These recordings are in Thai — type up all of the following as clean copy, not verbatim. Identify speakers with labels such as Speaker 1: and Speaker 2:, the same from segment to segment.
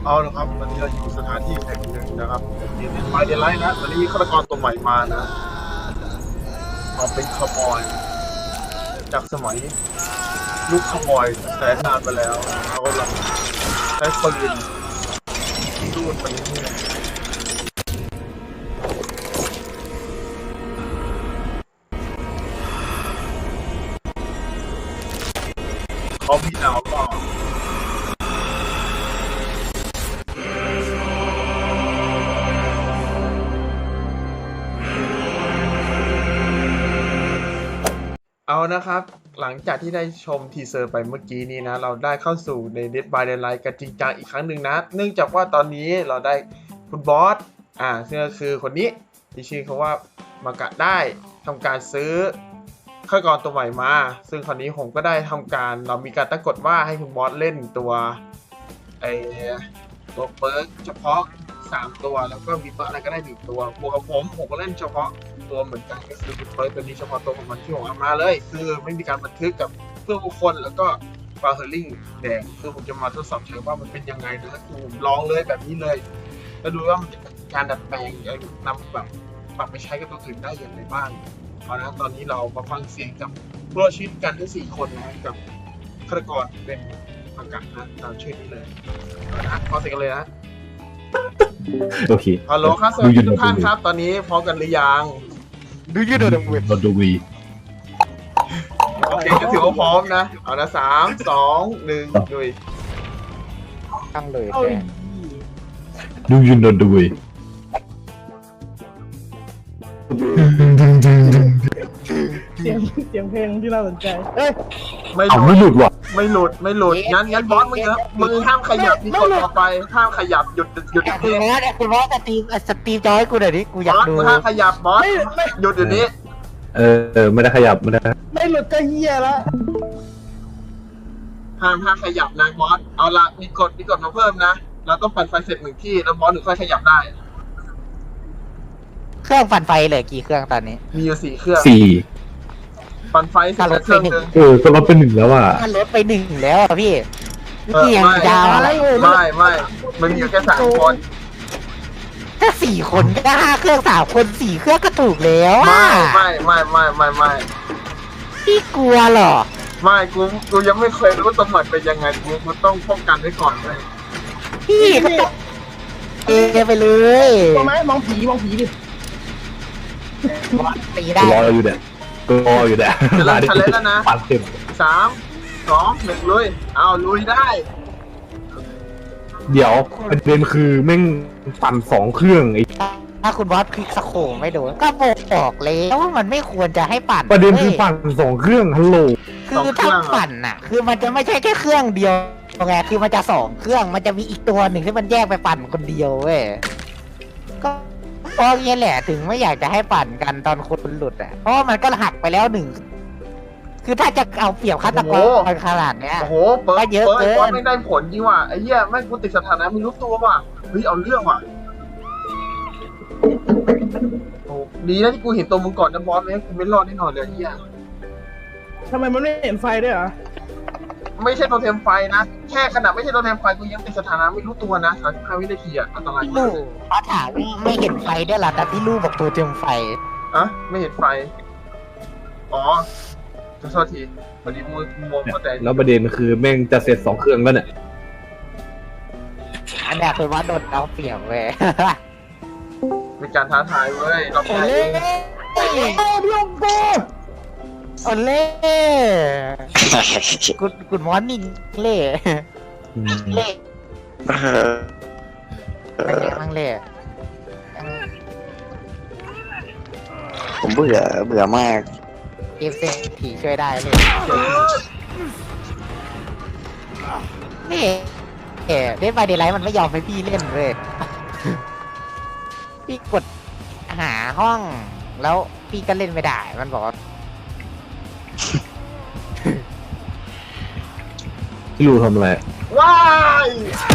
Speaker 1: เอาละครับตอนนี้เราอยู่สถานที่แห่งหนึ่งนะครับมีเดนไฟเดนไลท์นะตอนนี้มีฆาตกรตัวใหม่มานะมาเป็นคาร์บอยจากสมัยยุคคาร์บอยแสนนานมาแล้วเขากำลังใช้ปืนสู้ไปเรื่อยๆเขามีแนวก็เอานะครับหลังจากที่ได้ชมทีเซอร์ไปเมื่อกี้นี้นะเราได้เข้าสู่ใน Dead by Daylight กันจริงจังอีกครั้งหนึ่งนะเนื่องจากว่าตอนนี้เราได้คุณบอสซึ่งก็คือคนนี้ที่ชื่อเขาว่ามากะได้ทำการซื้อฆาตกรตัวใหม่มาซึ่งคราวนี้ผมก็ได้ทำการเรามีการตั้งกฎว่าให้คุณบอสเล่นตัวตัวเปิร์กเฉพาะ3ตัวแล้วก็มีเปิร์กอะไรก็ได้1ตัวบวกกับผมก็เล่นเฉพาะตัวเหมือนกันก็คือเปิร์กตัวนี้เฉพาะตัวของมันที่ผมเอามาเลยคือไม่มีการบันทึกกับเพื่อนบุคคลแล้วก็ฟาเฮอร์ลิงแดงคือผมจะมาทดสอบเฉยว่ามันเป็นยังไงนะคือผมลองเลยแบบนี้เลยแล้วดูว่ามันจะการดัดแปลงนำแบบปรับไปใช้กับตัวอื่นได้อย่างไรบ้างเอาละตอนนี้เรามาฟังเสียงกับผู้รอดชีวิตกันทั้ง4คนนะกับฆาตกรเป็นอากาศนะตามชื่อนี้เลยเอาละขอเสียงกันเลยนะ
Speaker 2: โอเค
Speaker 1: ฮัลโหลครับสวัสดีทุกท่านครับตอนนี้พร้อมกันหรือยัง
Speaker 2: ดูยูโดดเวทดูวี
Speaker 1: โอเคก็ถือว่าพร้อมนะเอานะ3 2 1ดุย
Speaker 3: ตั้งเลย
Speaker 2: ดูยูโดดเวท
Speaker 3: เสียงเพลงที่น่าสนใจเอ้ย
Speaker 2: ไม่หลุดว่ะ
Speaker 1: ไม่หลุดงั้นบอสมึงห้ามขยับนี่กดต่อไปห้ามขยับหยุด
Speaker 3: คุณบอสสตรีมจอยกูหน่อยดิกูอยากดู
Speaker 1: มึงห้ามขยับบอสหยุดอยู่นี้
Speaker 2: ไม่ได้ขยับ
Speaker 3: ไม่หลุดก็เหี้ยละ
Speaker 1: ห้ามขยับนะบอสเอาละมีกฎมาเพิ่มนะเราต้องปั่นไฟเสร็จ1ที่แล้วบอสถึงค่อยขยับได้
Speaker 3: เครื่องปั่นไฟเหลือกี่เครื่องตอนนี้
Speaker 1: มีอยู่4เครื่องปั่นไฟเสร็จเครื่องนึง
Speaker 2: ก็ลดไป1แล้วอ่ะ
Speaker 3: ลดไป1แล้วอ่ะพี่พี่ยังดาวอะไร
Speaker 1: ไม่มันมีอยู่แค่3คน
Speaker 3: ถ้า4คนก็5เครื่อง3คน4เครื่องก็ถูกแล้ว
Speaker 1: ไม่
Speaker 3: พี่กลัวหรอ
Speaker 1: ไม่กูยังไม่เคยรู้ตัวใหม่เป็นยังไงกูต้องป้องกันไว้ก่อนเลย
Speaker 3: พี่ก็ต้องไปเลย
Speaker 4: ตัวไหมมองผีดิ
Speaker 3: ตีได้
Speaker 2: รออยู่เนี่ย
Speaker 1: จะเริ่มทันแล้วนะ
Speaker 2: ปั่นเต็ม
Speaker 1: 3 2 1ลุยเอาลุยได้
Speaker 2: เดี๋ยวประเด็นคือแม่งปั่น2เครื่องไอ้
Speaker 3: ถ้าคุณบอสคลิกสโคปไม่โดนก็บอกแล้วว่ามันไม่ควรจะให้ปั่น
Speaker 2: ประเด็นคือปั่น2เครื่องฮัลโหล
Speaker 3: คือถ้าปั่นน่ะคือมันจะไม่ใช่แค่เครื่องเดียวไงคือมันจะ2เครื่องมันจะมีอีกตัวหนึ่งที่มันแยกไปปั่นคนเดียวเว้ยก็เพราะงี้แหละถึงไม่อยากจะให้ปั่นกันตอนคนหลุดอ่ะเพราะมันก็หักไปแล้ว1คือถ้าจะเอาเปรียบฆาตกรขนาดเนี้ย
Speaker 1: โอ้โหเปิดเยอะเกินไม่ได้ผลจริงว่ะไอ้เหี้ยแม่งกูติดสถานะไม่รู้ตัวว่ะเฮ้ยเอาเรื่องว่ะโอ้ดีนะที่กูเห็นตัวมึงก่อนนะบอสไม่งั้นกูไม่รอดแน่นอนเลยไอ้เหี้ย
Speaker 4: ทำไมมันไม่เห็นไฟด้วยเหรอ
Speaker 1: ไม่ใช่โทเทมไฟนะแค่ขนาดไม่ใช่โทเทมไฟกูยังติดสถานะไม่รู้ตัวนะ35 วินาทีอะอันตรายมาก
Speaker 3: เขาถามไม่เห็นไฟด้วยหรอแต่พี่ลู่บอกตัวเต็มไฟ
Speaker 1: ไม่เห็นไฟอ๋อขอโทษทีพอดีมัวเข้าใจ
Speaker 2: แล้วประเด็นคือแม่งจะเสร็จ2เครื่องแล้วเนี่ย
Speaker 3: อันนี้คือว่าโดนเอาเปรียบเว้ย
Speaker 1: เป็นการท้าทายเว้ยเราแพ้
Speaker 3: โอเล่กุดมอร์นิ่งเล่เป็นไงบ้างเล่
Speaker 5: ผมเบื่อมาก
Speaker 3: เอฟเซผีช่วยได้เลยนี่เล่นไปเดย์ไลท์มันไม่ยอมให้พี่เล่นเลยพี่กดหาห้องแล้วพี่ก็เล่นไม่ได้มันบอก
Speaker 2: พี่รู้ทำอะไร
Speaker 1: ว้าย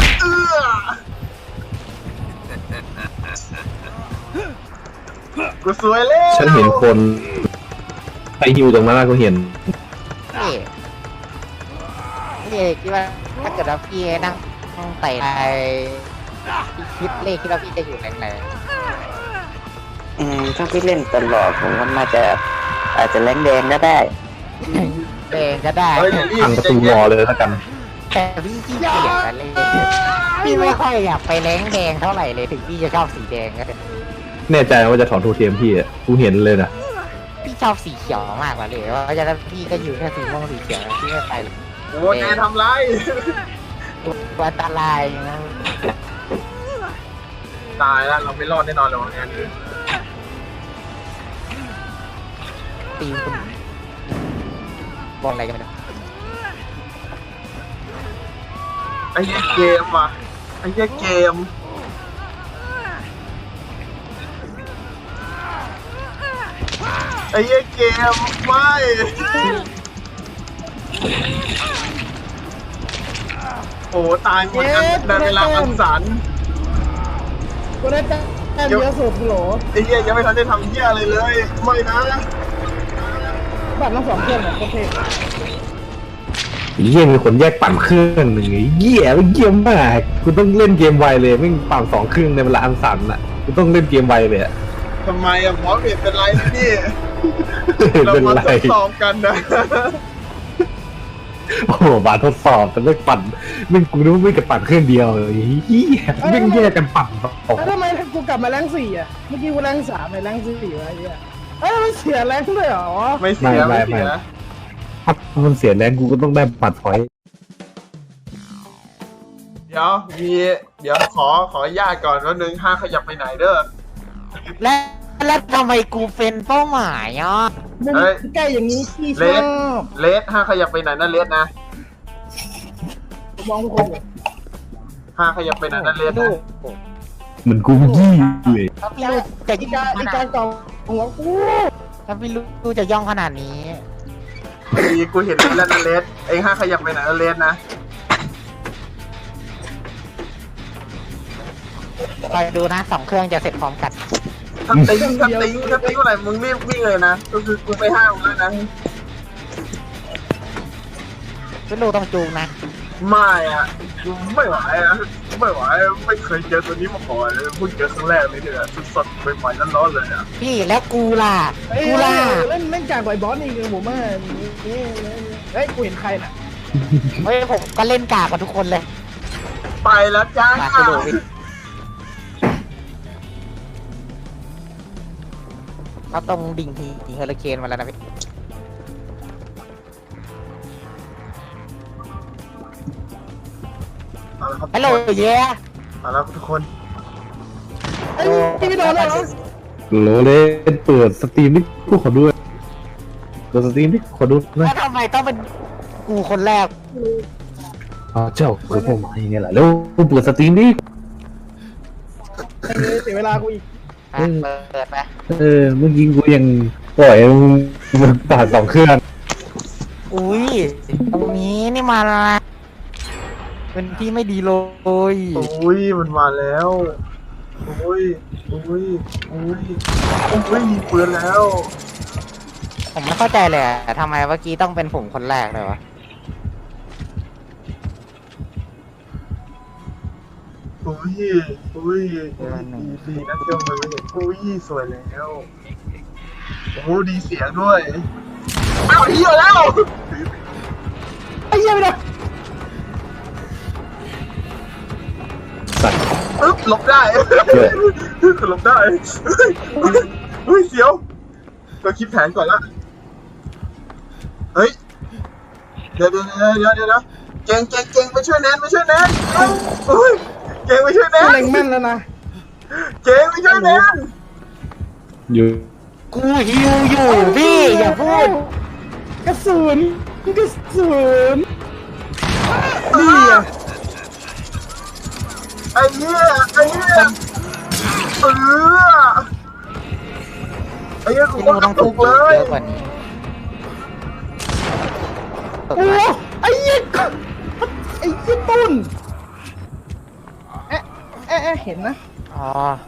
Speaker 1: กูสวยเลย
Speaker 2: ฉันเห็นคนไปฮิวตรงนั้นก็เห็น
Speaker 3: นี่คิดว่าถ้าเกิดเราพี่นั่งไต่พี่คิดเลขที่เราพี่จะอยู่แรง
Speaker 5: ถ้าพี่เล่นตลอดผมว่าน่าจะอาจจะแรงแดงก็ได้
Speaker 3: ๆแดงก็ได้
Speaker 1: เฮ้ยอย่ารีบ
Speaker 2: พังประตูรอเลยแล้วกัน
Speaker 3: แต่พี่ขี้เกียจอะเลยพี่ไม่ค่อยอยากไปแรงแดงเท่าไหร่เลยถึงพี่จะชอบสีแดงก็เถอะ
Speaker 2: แน่ใจว่าจะถอนโทเทมพี่อะกูเห็นเลยนะ
Speaker 3: พี่ชอบสีเขียวมากกว่าเลยเพราะฉะนั้นพี่ก็อยู่แค่สีม่วงสีเขียวพี่ไม่ไปเลย
Speaker 1: โอ้แกทำไร
Speaker 3: อันตรายนะ
Speaker 1: ตายแล้วเราไม่รอดแน่นอนเลยงานนี้
Speaker 3: ตีมคุณบอลอะไรกันไม่รู้
Speaker 1: ไอ้เหี้ยเกมว่ะไอ้เหี้ยเกมไอ้เหี้ยเกมไม่โอ้ตายหมดในเวลาอันสัน
Speaker 4: กูได้แต้มเยอะสุดโหล
Speaker 1: ไอ้เหี้ยยังไม่ทันได้ทำเหี้ยอะไรเลยไม่นะ
Speaker 4: บัตรทั้งสองเครื่องเนี่ยโคตรเท่
Speaker 2: เยี่ยมีคนแยกปั่นเครื่องหนึ่งไอ้เยี่ยไม่เยี่ยมมากกูต้องเล่นเกมไวเลยไม่งปั่น2 เครื่องในเวลาอันสั้นอ่ะกูต้องเล่นเกมไวเลยอะ
Speaker 1: ทำไมอะหมอเบียดเป็นไรนะนี่เรา
Speaker 2: เป็น
Speaker 1: มา
Speaker 2: ไร
Speaker 1: ทดสอบกันนะ
Speaker 2: โอ้โหมาทดสอบแต่ไม่ปั่นไม่งกูนึกว่าไม่กับปั่นเครื่องเดียวเลยเฮียไม่งแยกกันปั่นสอง
Speaker 4: แล้วทำไมกูกลับมาแรง4อ่ะเมื่อกี้กูแรง3ไปแรง4วะไอ้เหี้ยมันเสียแรงด้วยเหรอ
Speaker 1: ไม่เสียไม่เสีย
Speaker 2: ถ้ามันเสียแรงกูก็ต้องได้ปั่นพอยต์
Speaker 1: เดี๋ยวขอญาตก่อนว่านึงห้าขยับไปไหนเด้อ
Speaker 3: แล้วทำไมกูเป็นเป้าหมายอ่ะ
Speaker 4: มุม
Speaker 1: เฮ้ย
Speaker 4: ใกล้อย่างนี้พี่ช
Speaker 1: เล
Speaker 4: อ
Speaker 1: ส
Speaker 4: บ
Speaker 1: เลสห้าขยับไปไหนนะเลสนะ
Speaker 4: ผมมองทุกคนอยู่
Speaker 1: ห้าขยับไปไหนนะเลส
Speaker 3: ดู
Speaker 1: นะ
Speaker 2: เหมือนกูยี่เลย
Speaker 3: ถ้าพี่รู้จะ
Speaker 4: อี
Speaker 3: ย่
Speaker 4: กา
Speaker 3: องข
Speaker 4: อี
Speaker 3: นาด
Speaker 4: กาเก่าหัวกู
Speaker 3: ถ้าพี่รู้จะย่องขนาดนี้
Speaker 1: ดีกูเห็นแล้วนะเลสเองห้าขยับไปไหนนะเลสนะ
Speaker 3: คอยดูนะ2 เครื่องจะเสร็จพร้อมกัน
Speaker 1: ถ้าติ้งอะไรมึงรีบวิ่งเลยนะก็คือกูไปห้ามแล้วนะ
Speaker 3: พี่รู้ต้องจูงนะ
Speaker 1: ไม่อะกูไม่ไหวอะไม่ไหวไม่เคยเจอตัวนี้มาก่อนเลยเพิ่งเจอครั้งแรกเลยเนี่ยสดๆใหม่ๆร้อนๆเลยอะ
Speaker 3: พี่แล้วกูล่ะ
Speaker 4: เฮ้ย
Speaker 3: กูล่ะ
Speaker 4: เล่นกากกว่าไอ้บอสอีกผมว่าเฮ้ยกูเห็นใครน่ะ
Speaker 3: เฮ้ยผมก็เล่นกากกับทุกคนเลย
Speaker 1: ไปแล้วจ้า
Speaker 3: มาไปดูพี่เขาต้องดิ่งเฮอริเคนมาแล้วนะพี่
Speaker 1: เอาละครับ
Speaker 3: ฮัลโหลเย้
Speaker 1: เอาละทุกคน
Speaker 4: ไอ้พี่ไม่โดนเลยเหรอ
Speaker 2: โหลเลยเปิดสตรีมนี่กูขอด้วยเปิดสตรีมนี่ขอดูหนะ
Speaker 3: แล้วทำไมต้องเป็นกูคนแรก
Speaker 2: อ๋อเจ้าคือพวกมันอย่างเงี้ยแหละแล้วกูเปิดสตรีมนี่
Speaker 4: ไอ้เสียเวลากูอีก
Speaker 3: อ่ะเปิดไป
Speaker 2: เมื่อกี้กูยังปล่อยมันตัด2 เครื่อง
Speaker 3: อุ้ยตรงนี้นี่มาละเป็นที่ไม่ดีเลย
Speaker 1: อุ้ยมันมาแล้วอุ้ยอุ้ยอุ้ยอุ้ยมีปืนแล้ว
Speaker 3: ผมไม่เข้าใจเลยอะทำไมเมื่อกี้ต้องเป็นผมคนแรกเลยวะ
Speaker 1: อุ้ยอุ้ยดีนะเจ้ามันไม่เห็นอุ้ยสวยแล้วโอ้ดีเสียงด้วยอ้าวเหี้ยแล้ว
Speaker 4: ไอ้เหี้ยไม่โดน
Speaker 2: สัตว์
Speaker 1: ปึ๊บหลบได้หลบได้เฮ้ยเสียวเราคิดแผนก่อนละเฮ้ยเดี๋ยวเก่งไปช่วยแนนเฮ้ยเก่งไปช่วยแน
Speaker 4: กู
Speaker 1: น
Speaker 4: เล็งแม่นแล้วนะ
Speaker 1: เก่งไปช่วยแนน
Speaker 2: อยู่
Speaker 3: กูฮิวอยู่พี่อย่าพูด
Speaker 4: กระสุนนี่อ่ะ
Speaker 1: ไอ้เหี้ยไอ้เหี้ยกู
Speaker 3: พี่
Speaker 1: ก็
Speaker 3: นู
Speaker 1: ต้
Speaker 3: ต้
Speaker 1: อ
Speaker 3: อง ง
Speaker 1: ถู
Speaker 3: ถู
Speaker 1: ก
Speaker 3: ก
Speaker 1: เล
Speaker 3: เย
Speaker 1: ย
Speaker 3: อะกว่านี้
Speaker 4: โอ้ไอ้เหี้ยตุ้นเห็นนะ
Speaker 3: อ๋อ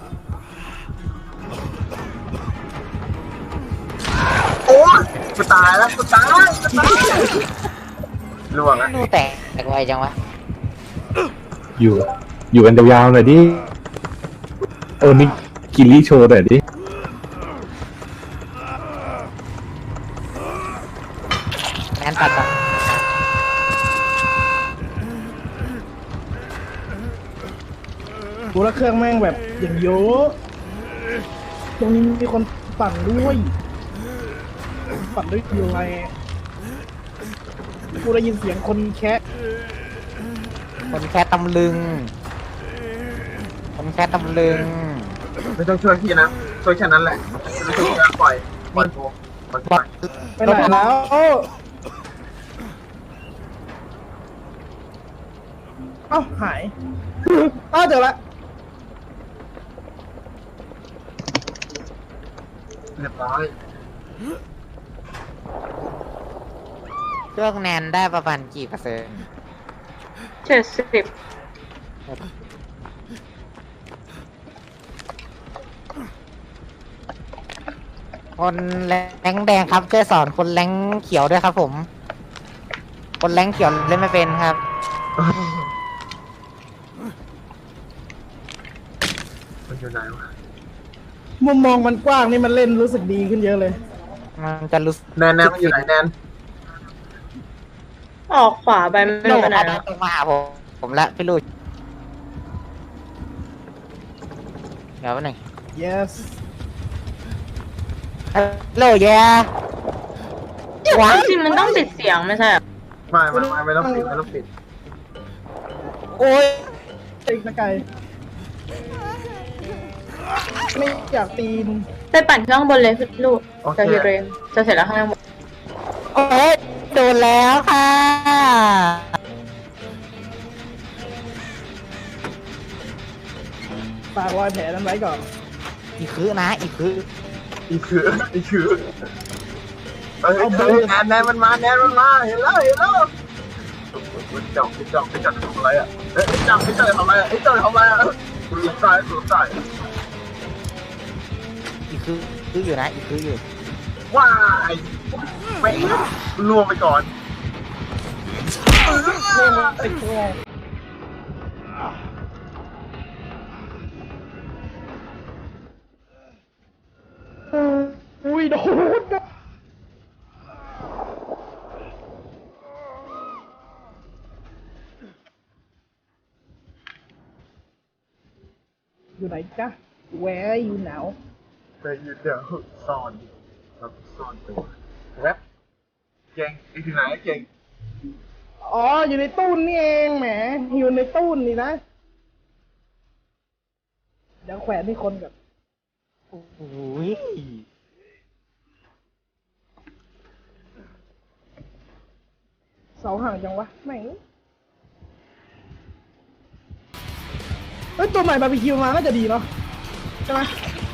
Speaker 1: โอ้ยกูตายแล้วล่วงแล้ว
Speaker 3: นูแตกไวจังวะ
Speaker 2: อยู่อยู่กันยาวๆหน่อยดิโอ้นี่กิริโชว์หน่อยดิ
Speaker 3: แมนตัดอ่ะ
Speaker 4: กูละเครื่องแม่งแบบอย่างเยอะตรงนี้มีคนปั่นด้วยปั่นด้วยอยู่ไงกูได้ยินเสียงคนแคะ
Speaker 3: คนแค่ตำลึง คนแค่ตำลึง
Speaker 1: ไม่ต้องช่วยพี่นะช่วยแค่นั้นแหละไม่ช่วยพี่นะปล่อยโทรปล่อย
Speaker 3: บอก
Speaker 4: ไปไหนแล้วเอ้าหายอ้าวเจอละ
Speaker 1: เรียบร้อย
Speaker 3: เครื่องแนนได้ประมาณกี่เปอร์เซ็นต์
Speaker 6: 70
Speaker 3: คนแรงแดงครับช่วยสอนคนแรงเขียวด้วยครับผม คนแรงเขียวเล่นไม่เป็นครับ
Speaker 1: มันอยู่ไหนวะ
Speaker 4: มุมมองมันกว้างนี่มันเล่นรู้สึกดีขึ้นเยอะเลย
Speaker 3: มันจะรู้สึก
Speaker 1: แนนมันอยู่ไหนแนน
Speaker 6: ออกขวาไปไม่
Speaker 3: โล
Speaker 6: รู้
Speaker 3: ก
Speaker 6: ไปไหน
Speaker 3: เอา
Speaker 6: แล้ว
Speaker 3: ตรงมาหาผมละพี่ลูกเดี๋ยวแป๊บหนึง
Speaker 4: yes
Speaker 3: ฮัลโหลแย่ว้า
Speaker 6: จริงๆมันต้องปิดเสียงไม่ใช่เหรอ
Speaker 1: ไม่ต้องปิดไม่ต้องปิด
Speaker 3: โอ้ย
Speaker 4: อีกนะไก่ไม่อยากตีน
Speaker 6: ไปปั่นเครื่องบนเลยพี่ลูก
Speaker 1: โอเค
Speaker 6: จะฮิเรนจะเสร็จแล้วข้างบน
Speaker 3: โอ้ยโดนแล้วค่ะ
Speaker 4: ฝากรอยแผลนั้นไว้ก่อน
Speaker 3: อีกคือนะอีกคือ
Speaker 1: อีคือแนนมันมาเห็นแล้วจับทำอะไรอ่ะจับทำอะไรอ่ะทำอะไรอ่ะคุณหลบซ้าย
Speaker 3: อีกคืออยู่นะอีกคืออยู่
Speaker 1: ว้ายไม่ล่วงไปก่อน
Speaker 4: ไอ้ตัวอุ้ยโดนนะอยู่ไหนจ๊ะ Where you now
Speaker 1: แต่ยืนเดี๋ยวซ่อนครับซ่อนตัวแรปเก่งอีกที่ไหนเก่ง
Speaker 4: อ๋อ อยู่ในตู้นี่เองแหม อยู่ในตู้นี่นะ เดี๋ยวแขวนให้คนกับ
Speaker 3: โอ้ย
Speaker 4: เสาห่างจังวะแม่งเฮ้ยตัวใหม่บาร์บีคิวมาน่าจะดีเนาะใช่ไหม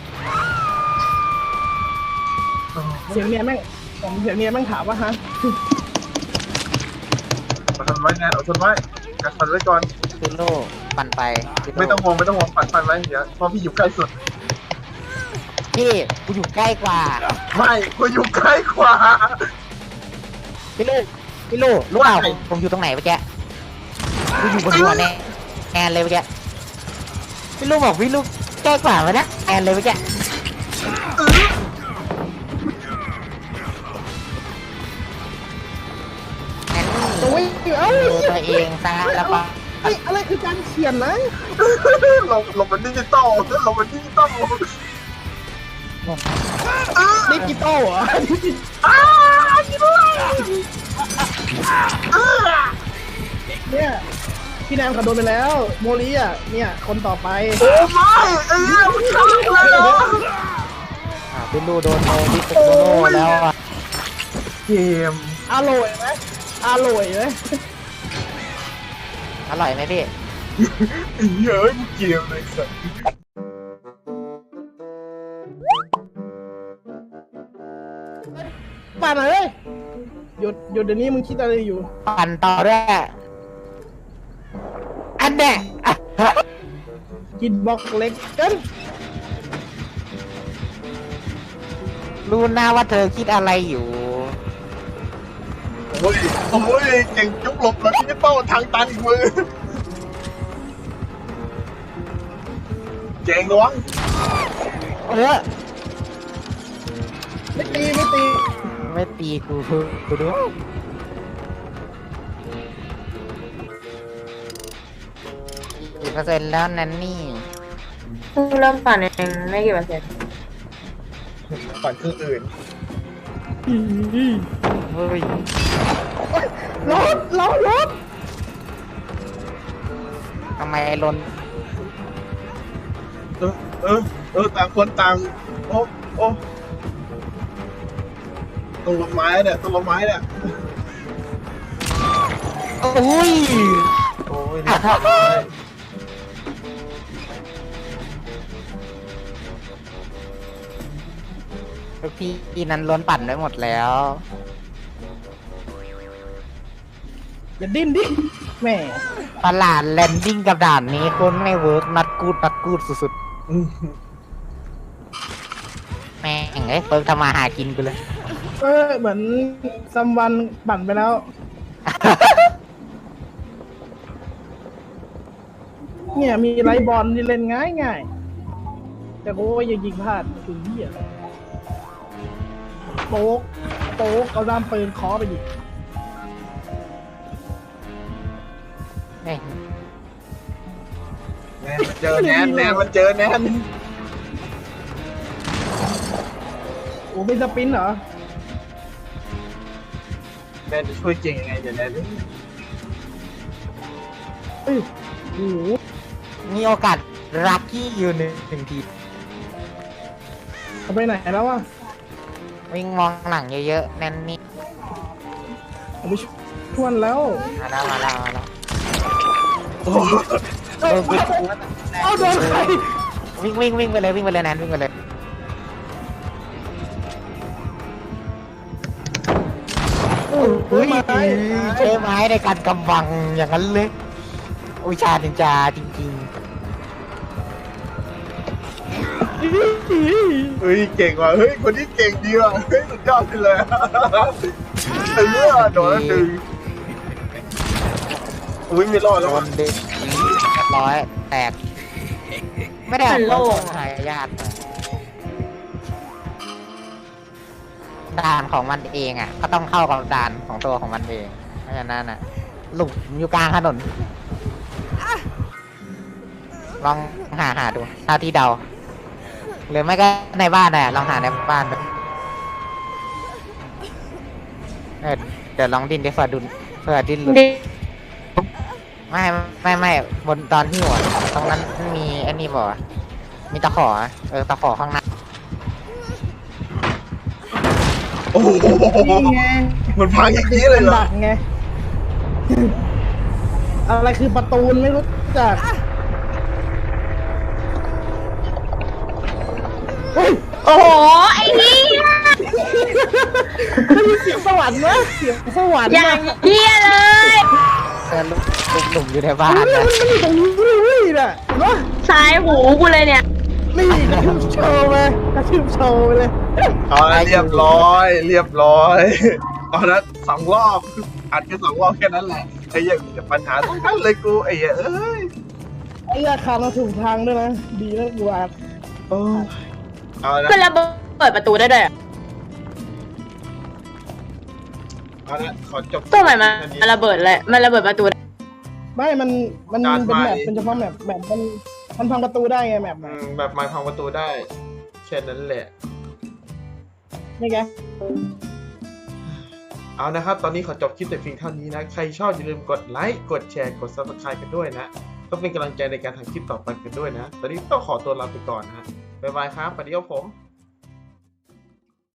Speaker 4: เสียงเมียแม่งเสียงเมียแม่งถามว่าฮะ
Speaker 1: อดทนไว้แนนอดทนไว้กัดฟันไว้ก่อน
Speaker 3: คือโลปั่นไปคือโล่
Speaker 1: ไม่ต้องห่วงปัดฟันไว้เดี๋ยวเพราะพี่อยู่ใกล้สุด
Speaker 3: พี่กูอยู่ใกล้กว่า
Speaker 1: ไม่กูอยู่ใกล้กว่า
Speaker 3: พี่ลูกรู้เปล่าผมอยู่ตรงไหนเมื่อกี้กูอยู่บนหัวแอนเลยเมื่อกี้พี่ลูกบอกพี่ลูกใกล้กว่าไหมนะแอนเลยเมื่อกี้แอน
Speaker 4: โอ้ยเอ้า
Speaker 3: ดูตัวเองซะแล้วก็
Speaker 4: เฮ้ยอะไรคือการเขียนนะ
Speaker 1: หลบมันดิจิตอล
Speaker 4: ดิจิตอลเหรอเนี่ยพี่แนมเขาโดนไปแล้ว โมลีอ่ะเนี่ยคนต่อไป
Speaker 1: โอ้ไม่มันฆ่าเลยเหรอ
Speaker 3: พี่ลูกโดนโนบิโกโนแล้วอ่ะ
Speaker 1: เกม
Speaker 4: อร่อยไหมอร่อยไหม
Speaker 3: อร่อยไหมพี่
Speaker 1: เยอะเกมเลยสัส
Speaker 4: ป่านไหนเลยหยุดเดี๋ยวนี้มึงคิดอะไรอยู่
Speaker 3: ปั่นต่อด้วยอันเนี้ยอ่ะ
Speaker 4: กินบล็อกเล็กกัน
Speaker 3: รู้นะว่าเธอคิดอะไรอยู่
Speaker 1: โอ้ยเก่งจุกหลบแล้วดิจิตอลทางตันอีกมือเจ๋งระวัง
Speaker 3: เออ
Speaker 4: ไม่ตีไม่ตี
Speaker 3: ไม่ตีกูด้วย10%แล้วนั่นนี่
Speaker 6: เพิ่งเริ่มปั่นเองไม่กี่เปอร์เซ็นต์
Speaker 1: ปั่นเครื่องอื่น
Speaker 3: เฮ้ย
Speaker 4: รถ
Speaker 3: ทำไมลน
Speaker 1: ต่างคนต่างโอ้ต้นไม้เนี่ยต้นไม้เนี่ย
Speaker 3: โอ้ย
Speaker 1: โอ้ยนี่
Speaker 3: ลูกพี่นั้นล้นปั่นได้หมดแล้ว
Speaker 4: อย่าดิ้นดิแหม
Speaker 3: ตลาดแลนดิ้งกับด่านนี้คนไม่เวิร์กนัดกูดสุดๆแม่งเฟิร์กทำมาหากินกูเลย
Speaker 4: เหมือนซัมวันปั่นไปแล้ว เนี่ยมีไลท์บอลที่เล่นง่ายแต่กูว่ายังยิงพลาดคือเหี้ยโป๊กเอาด้ามปืนเคาะไปดิ
Speaker 3: แม่ง
Speaker 1: แนนมันเจอแนน
Speaker 4: โอ้เป็นสปินเหรอ
Speaker 1: แนนจะช่วยเก่งยังไงเดี๋ยวแนน
Speaker 4: เอ้ยโอ้โห
Speaker 3: มีโอกาสลัคกี้อยู่หนึ่งที
Speaker 4: เขาไปไหนแล้ววะ
Speaker 3: วิ่งมองหลังเยอะๆแน่นนี่
Speaker 4: เขาไปชวนแล้ว
Speaker 3: มาแล้ว
Speaker 1: โอ้
Speaker 4: เอาโดนใคร
Speaker 3: วิ่งไปเลยแนนวิ่งไปเลยเฮ้ยใช้ไม้ในการกำบังอย่างนั้นเลยวิชานินจาจริง
Speaker 1: เฮ้ยเก่งว่ะเฮ้ยคนนี้เก่งดีว่ะเฮ้ยสุดยอดไปเลยโดนแล้วหนึ่งอุ้ยไม่รอด
Speaker 3: ๆ
Speaker 1: แล้
Speaker 3: โด
Speaker 1: วว่ะ
Speaker 3: นเด็กร้อยแตกไม่ได้เอาของหายากด่านของมันเองอ่ะก็ต้องเข้ากับด่านของตัวของมันเองเพราะฉะนั้นอ่ะหลุมอยู่กลางถนนลองหาดูเท่าที่เดาหรือไม่ก็ในบ้านน่ะลองหาในบ้านดูเดี๋ยวลองดิ้นดิเผื่อดิ้นหลุด
Speaker 6: ดิ
Speaker 3: ไม่บนตอนที่หัวตรงนั้นมีไอ้นี่บอกว่ามีตะขอตะขอข้างหน้า
Speaker 1: โอ้โห
Speaker 4: นี่ไง
Speaker 1: มันพังอย่างนี้เลยเหรอ
Speaker 4: ดักไง อะไรคือประตูนไม่รู้จักเฮ้ย
Speaker 6: โอ้โหไอ้นี่
Speaker 4: มีเสียงสวรรค์นะเสียงสวรรค์
Speaker 6: อย่างเหี้ยเลย
Speaker 3: ลูกหนุ่มอยู่ในบ้าน
Speaker 4: มัน
Speaker 3: นะ
Speaker 4: อยู่ตรงนี้เลยน่ะเห็นปะ
Speaker 6: ซ้ายหูกูเลยเนี่ย
Speaker 4: นี่กระทืบโชว์ไปกระทืบโชว์ไปเลย
Speaker 1: เอาละเรียบร้อยเอาละ2 รอบอัดกัน2 รอบแค่นั้นแหละไอ้เหี้ยังปัญหาทั้งนั้นเลยกูไอ้เหี้ยเอ้ย
Speaker 4: ไอ้ราคาเราถูกทางด้วยนะ ดีนะกูอ่ะ
Speaker 1: โอ้ยเอาละ
Speaker 6: ก็ระเบิดประตูได้ด้วยอะ
Speaker 1: เอาละขอจบ
Speaker 6: ตัวใหม่มันระเบิดเลยมันระเบิดประตูได้
Speaker 4: ไม่มันเป็น
Speaker 1: การ
Speaker 4: แม
Speaker 1: ใหม่
Speaker 4: ปเป็นเฉพาะแมปมันพังประตูได้ไงแมป
Speaker 1: แบบไม้พังประตูได้แค่นั้นแหละ
Speaker 4: นี่ไง
Speaker 1: เอานะครับ ตอนนี้ขอจบคลิปแต่เพียงเท่านี้นะ ใครชอบอย่าลืมกดไลค์ กดแชร์ กด subscribe กันด้วยนะก็เป็นกำลังใจในการทำคลิปต่อไปกันด้วยนะ ตอนนี้ต้องขอตัวลาไปก่อนนะ บ๊ายบายครับสวัสดีครับผม